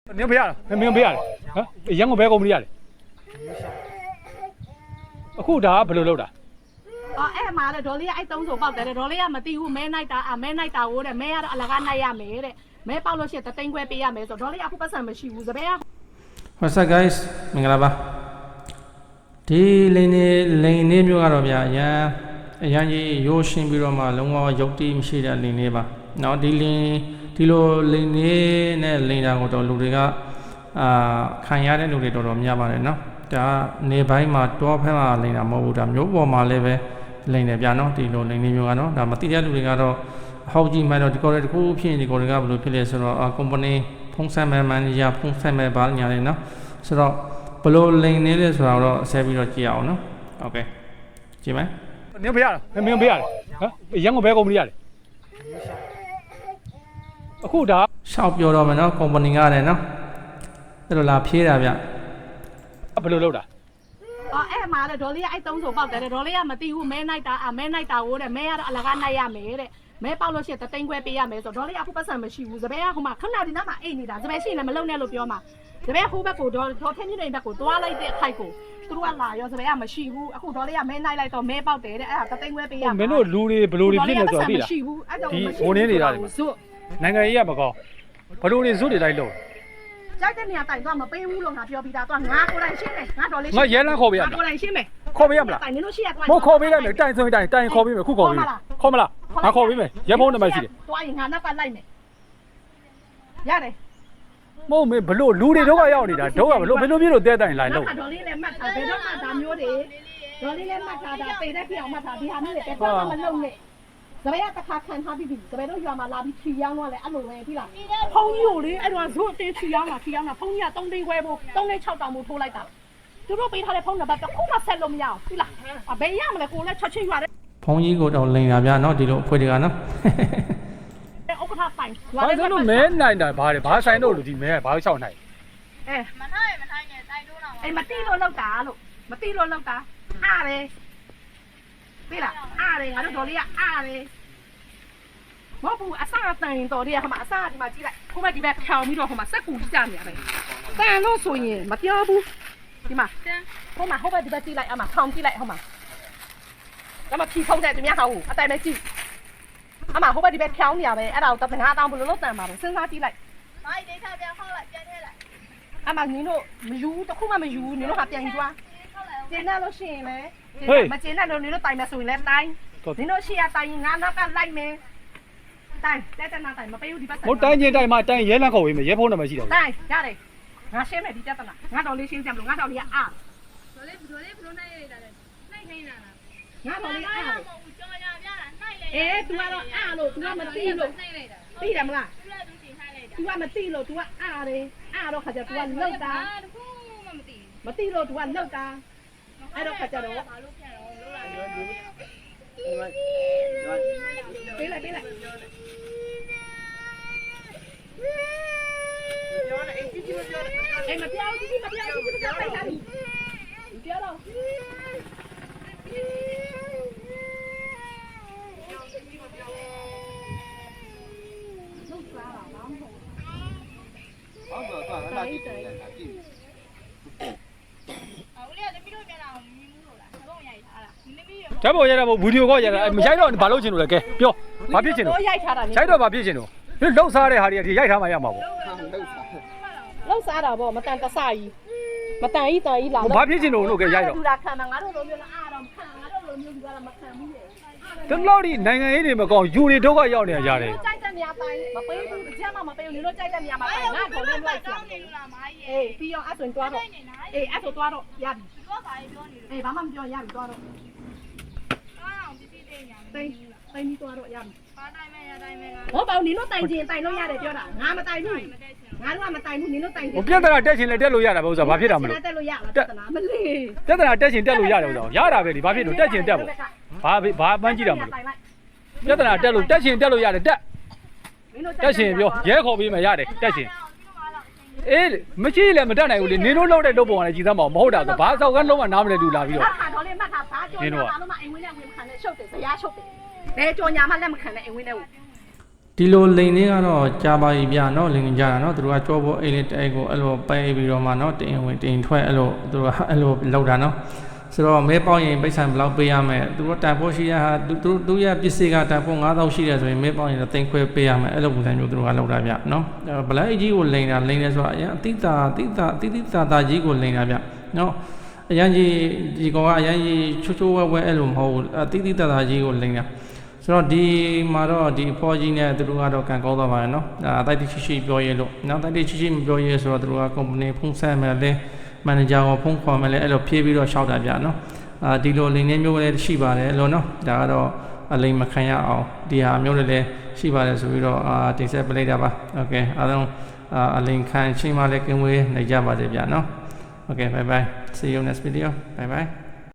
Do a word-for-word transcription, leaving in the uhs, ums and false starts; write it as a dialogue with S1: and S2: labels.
S1: 你不要了，没不要了，啊，养我白狗不要了。ခုဒါဘယ်လိုလုပ်တာ
S2: အော်အဲ့မှာလေဒေါ်လေးအဲ့သုံးဆိုပေါက်တယ်ဒေါ်လေးကမသိဘူးမဲနိုင်တာအမဲနိုင်တာကိုတဲ့မဲကတော့အလကားနိုင်ရမယ်တဲ့မဲပေါက်လို့ရှိရင်တသိန်းခွဲပေးရမယ်ဆိုဒေါ်လေးကအခုပတ်စံမရှိဘူးစပယ်က
S3: What's up guys မင်္ဂလာပါဒီလိန်နေလိန်နေမျိုးကတော့ဗျာအရန်အရန်ကြီးရိုးရှင်းပြီးတော့မှလုံးဝရုပ်တိမရှိတဲ့လိန်နေပါเนาะဒီလိန်ဒီလိုလိန်နေနဲ့လိန်တာကိုတော့လူတွေကအာခံရတဲ့လူတွေတော်တော်များပါတယ်เนาะဒါနေပိုင်းမှာတောဖက်မှာလိန်တာမဟုတ်ဘူးဒါမျိုးပေါ်မှာလည်းပဲလိန်တယ်ဗျာနော်ဒီလိုလိန်နေမျိုးကတော့ဒါမတိတဲ့လူတွေကတော့အဟောက်ကြီးမှတော့ဒီကော်တွေတခုဖြစ်ရင်ဒီကော်တွေကဘယ်လိုဖြစ်လဲဆိုတော့ company ဖုန်းဆက်မဲ့ manager ဖုန်းဆက်မဲ့ဘာညာလဲနော်ဆိုတော့ဘယ်လိုလိန်နေလဲဆိုတာတော့ဆက်ပြီးတော့ကြည့်အောင်နော်โอเคကြည့်မယ်
S1: 你不要了没不要了啊养我白狗不要了အခုဒါ
S3: ရှောက်ပြောတော့မယ်နော် company ကလည်းနော်အဲ့လိုလာဖြေးတာဗျ
S1: ဘယ်လိုလုပ်တာ
S2: အော်အဲ့မှာလေဒေါ်လေးကအဲ့သုံးဆိုပေါက်တယ်ဒေါ်လေးကမသိဘူးမဲနိုင်တာအမဲနိုင်တာကိုတဲ့မဲကတော့အလကားနိုင်ရမယ်တဲ့မဲပေါက်လို့ရှိရင်တသိန်းခွဲပေးရမယ်ဆိုဒေါ်လေးကအခုပတ်စံမရှိဘူးစပယ်ကဟိုမှာခဏဒီနားမှာအိတ်နေတာစပယ်ရှိရင်လည်းမလုံနဲ့လို့ပြောမှာစပယ်ဟိုဘက်ကိုဒေါ်ဒေါ်ထင်းကြီးနေဘက်ကိုတွားလိုက်တဲ့အခိုက်ကိုသူတို့ကလာရောစပယ်ကမရှိဘူးအခုဒေါ်လေးကမဲနိုင်လိုက်တော့မဲပေါက်တယ်တဲ့အဲ့ဒါတသိန်းခွဲပေးရမှာ
S1: မင်းတို့လူတွေဘယ်လိုတွေဖြစ်နေဆိုတော့သိလား
S2: မရှိဘူးအဲ့ကြောင့်
S1: မရှိဘူးဒီဟိုနေနေတာတွေနိုင်ငံရေးရမကောင်းဘယ်လိုတွေဇွတ်တွေလိုက်လို့
S2: ကြိုက်တဲ့နေရာတိုင်တော့မပေးဘူးလို့ငါပြောပြီးသားတော့ငါကိုယ်တိုင်ရှင်းမယ်ငါတော်လေး
S1: ငါရဲလန်းခေါ်ပေးရမယ်
S2: ကိုယ်တိုင်ရှင်းမယ်
S1: ခေါ်ပေးရမလား
S2: တိုင်နေလို့ရှိရတော့
S1: မခေါ်ပေးလိုက်မယ်တိုင်ဆိုရင်တိုင်တိုင်ခေါ်ပေးမယ်ခုခေါ်ပေးမယ်ခေါ်မလားငါခေါ်ပေးမယ်ရဲဖုန်းနံပါတ်ရှိတယ်
S2: တွားရင်ငါနောက်ကလိုက်မယ်ရတယ်
S1: မဟုတ်မေဘလို့လူတွေတော့ရောက်နေတာတော့ကဘလို့ဘယ်လိုမျိုးလို့တဲတိုင်လိုက်လို့
S2: ဒေါ်လေးလည်းမှတ်ထားဘယ်တော့မှဒါမျိုးတွေဒေါ်လေးလည်းမှတ်ထားတာပေတဲ့ပြောင်မှတ်ထားဒီဟာမျိုးတွေတော့မလုံးနဲ့စပယ်ကတစ်ခါခံထားပြီးပြီစပယ်တို့ရွာမှာလာပြီးဖြီရောင်းတော့လေအဲ့လိုပဲပြီလားဖုန်းကြီးကိုလေအဲ့တော့ဇွတ်အတင်းဖြီရောင်းတာဖြီရောင်းတာဖုန်းကြီးကသုံးသိန်းခွဲဖို့သုံးသိန်း၆တောင်ဖို့ထိုးလိုက်တာသူတို့ပေးထားတဲ့ဖုန်းနံပါတ်တစ်ခုမှဆက်လို့မရဘူးပြီလားအဘယ်ရမလဲကိုလည်းချက်ချင်းရွာတဲ့
S3: ဖုန်းကြီးကိုတော့လိန်တာဗျာနော်ဒီလိုအဖွေတွေကနော်
S2: ဥက္ကဋ္ဌပိုင်
S1: ဘာလို့မဲနိုင်တာဘာလဲဘာဆိုင်တော့လို့ဒီမဲဘာလို့ချောက်နိုင်
S2: အဲမထိုင်မထိုင်နဲ့တိုင်တိုးတော့အေးမတိလို့လောက်တာလို့မတိလို့လောက်တာအားတယ်ပြီလားအားတယ်ငါတို့ဒေါ်လေးကအားတယ်မဟုတ်ဘူးအစားတန်တော်တွေကဟိုမှာအစားဒီမှာကြည့်လိုက်ဟိုမှာဒီဘက်ဖြောင်ပြီးတော့ဟိုမှာစက်ကူကြီးကြနေရတယ်တန်လို့ဆိုရင်မပြောဘူးဒီမှာဟိုမှာဟိုဘက်ဒီဘက်ကြည့်လိုက်အမဖြောင်ကြည့်လိုက်ဟိုမှာဒါမှဖြီဖုံးတဲ့သူများဟောအတိုင်ပဲကြည့်အမဟိုဘက်ဒီဘက်ဖြောင်နေရပဲအဲ့ဒါကိုတငါးတောင်းဘယ်လိုလုပ်တန်ပါလဲစဉ်းစားကြည့်လိုက်မိုက်ဒေးချပြန်ဟောက်လိုက်ပြန်ထည့်လိုက်အမနင်းတို့မယူတခုမှမယူနင်းတို့ဟာပြန်ကြွားကျင်းတယ်လို့ရှိရင်လည်းမကျင်းတယ်လို့နင်းတို့တိုင်မယ်ဆိုရင်လည်းတိုင်နင်းတို့ရှိရတိုင်ငါနောက်ကလိုက်မယ်တိုင်တက်တနာတိုင်မပေးဘူးဒီဘက်
S1: ဟိုတိုင်းချင်းတိုင်းမှာတိုင်းရဲလန်းခေါ်ပေးမယ်ရဲဖုန်းနံပါတ်ရှိတယ်
S2: တိုင်ရတယ်ငါရှင်းမယ်ဒီတက်တနာငါတော်လေးရှင်းပြမလို့ငါတော်လေးကအား
S4: တော်လေးတော်လေးဘလို့နိုင်ရတာလဲနိုင်ခိုင်းတာလား
S2: ငါတော်လေးအား
S4: မဟုတ်ဘူးကြော်ရပြတာနိုင်လေ
S2: အေး तू ကတော့အားလို့ तू ကမသိလို့
S4: နိုင်လိုက်တာ
S2: သိတယ်မလား
S4: သူလည်းသူရှင်ခိုင်းလိုက်တာ
S2: तू ကမသိလို့ तू ကအားတယ်အားတော့ခါကျ तू ကလောက်တာ
S4: တခုမှမသိ
S2: မသိလို့ तू ကလောက်တာအဲ့တော့ခါကျတော့
S4: ဘာလို့ပြန်တော့လို့လာ
S2: ပေးလိုက်ပေးလိုက်ပြောနေအစ်ကြီးမပြောအေးမပြောကြီးကြီးမပြောကြီးကြီးမပြောလိုက်တာဒီပြောတော့
S4: ဟုတ်တော့သွားလာကြည့်တယ်လာကြည့်အော်လေသမီးတို့ပြန်လာအောင်မြင်မှုလို့လားတော့ရိုက်ထားတာသမီးရ
S1: ဓာတ်ပေါ်ရတာဗီဒီယိုကောရတာမရိုက်တော့ဘာလို့ချင်လို့လဲကဲပြောဘာဖြစ်ချင်လို့
S2: ရိုက်ထားတာ
S1: ရိုက်တော့ဘာဖြစ်ချင်လို့ဒီလှုပ်စားတဲ့ဟာတွေကဒီရိုက်ထားမှရမှာပေါ့
S2: လောက်စားတာပေါ့မတန်တဆကြီးမတန်ကြီးတန်ကြီးလာ
S1: ဘာဖြစ်ချင်လို့လို့ကဲရိုက်တော့
S2: သူကခံမှာငါတို့လိုမျိုးလားအားတော့မခံငါတို့လိုမျိုးကလည်းမခံဘူးလေ
S1: ဒီလောက်ဒီနိုင်ငံရေးတွေမကောင်းယူတွေဒုက္ခရောက်နေကြတယ်
S2: ကြိုက်တဲ့နေရာတိုင်းမပေးဘူးအချက်မှမပေးဘူးနင်တို့ကြိုက်တဲ့နေရာမှာတိုင်းငါ့ကိုလေးလိုက်ပြန်
S4: နေလို့လားမားကြီး
S2: အေးပြီးအောင်အဲ့ဆိုရင်တွားတော့အေးအဲ့ဆိုတွားတော့ရပြီ
S4: သူကဘာပြောနေလဲ
S2: အေးဘာမှမပြောရပြီတွားတော့
S4: အားအောင်ပစ္စည်းတွေညာ
S2: တိန်တိန်ပြီးတွားတော့ရပြီ
S4: ဘာတိုင်းမဲရတိုင်းမဲ
S2: ဟောပေါ့နင်တို့တိုင်ချင်တိုင်လို့ရတယ်ပြောတာငါမတိုင်ဘူးငါတို့ကမတိုင်ဘူးနင်တို့တိုင်ချင်
S1: ဟိုပြဿနာတက်ချင်လဲတက်လို့ရတာပဲဥစ္စာဘာဖြစ်တာမလို့
S2: တက်လို့ရလားပြဿနာမလေး
S1: ပြဿနာတက်ချင်တက်လို့ရတယ်ဥစ္စာရတာပဲဒီဘာဖြစ်လို့တက်ချင်တက်ပေါ့ဘာဘာပန်းကြည့်တာမလို့ပြဿနာတက်လို့တက်ချင်တက်လို့ရတယ်တက်တက်ချင်ပြောရဲခေါ်ပေးမှရတယ်တက်ချင်အေးမရှိလဲမတက်နိုင်ဘူးလေနင်တို့လောက်တဲ့လုပ်ပုံကလည်းကြည်သမ်းမအောင်မဟုတ်တာဆိုဘာဆောက်ကန်းလုံးဝနားမလဲလူလာပြီးတော့
S2: မှတ်တာတော့လေမှတ်တာဘာကြောညာဘာလို့မှအိမ်ဝင်နဲ့ဝင်မခံနဲ့ရှုပ်တယ်ဇရားရှုပ်တယ်ဘယ်ကြောညာမှလက်မခံနဲ့အိမ်ဝင်နဲ့
S3: ဒီလိုလိန်လေးကတော့ကြာပါပြီဗျနော်လိန်ကြတာနော်သူတို့ကကြောပေါ်အိတ်လေးတိုက်ကိုအဲ့လိုပဲပြီးတော့မှနော်တင်ဝင်တင်ထွက်အဲ့လိုသူတို့ကအဲ့လိုလောက်တာနော်ဆိုတော့မဲပေါက်ရင်ပိတ်ဆံဘယ်လောက်ပေးရမလဲသူတို့တန်ဖိုးရှိရဟာသူတို့သူရဲ့ပစ္စည်းကတန်ဖိုး၅သောင်းရှိတယ်ဆိုရင်မဲပေါက်ရင်တော့တင်ခွဲပေးရမယ်အဲ့လိုပုံစံမျိုးသူတို့ကလောက်တာဗျနော်ဗလိုက်ကြီးကိုလိန်တာလိန်တယ်ဆိုတာအရင်အတိတာအတိတာအတိတိတာတာကြီးကိုလိန်တာဗျနော်အရင်ကြီးဒီကောင်ကအရင်ကြီးချိုးချိုးဝဲဝဲအဲ့လိုမဟုတ်ဘူးအတိတိတာတာကြီးကိုလိန်တာဆိုတော့ဒီမှာတော့ဒီအဖော်ကြီးနဲ့သူတို့ကတော့ကန်ကောင်းသွားပါရဲ့နော်ဒါတိုက်တိရှိရှိပြောရဲလို့နောက်တိုက်တိရှိရှိမပြောရဲဆိုတော့သူတို့ကကုမ္ပဏီဖုန်းဆက်မယ်လဲမန်နေဂျာကိုဖုန်းခေါ်မယ်လဲအဲ့လိုဖြေးပြီးတော့ရှောက်တာဗျနော်အာဒီလိုလိန်နေမျိုးလည်းရှိပါတယ်လို့နော်ဒါကတော့အလိမ်မခံရအောင်ဒီဟာမျိုးတွေလည်းရှိပါတယ်ဆိုပြီးတော့အာတင်ဆက်ပလိုက်တာပါโอเคအားလုံးအလိမ်ခံချင်းမှလည်းကင်းဝေးနေကြပါစေဗျနော်โอเค bye bye see you next video bye bye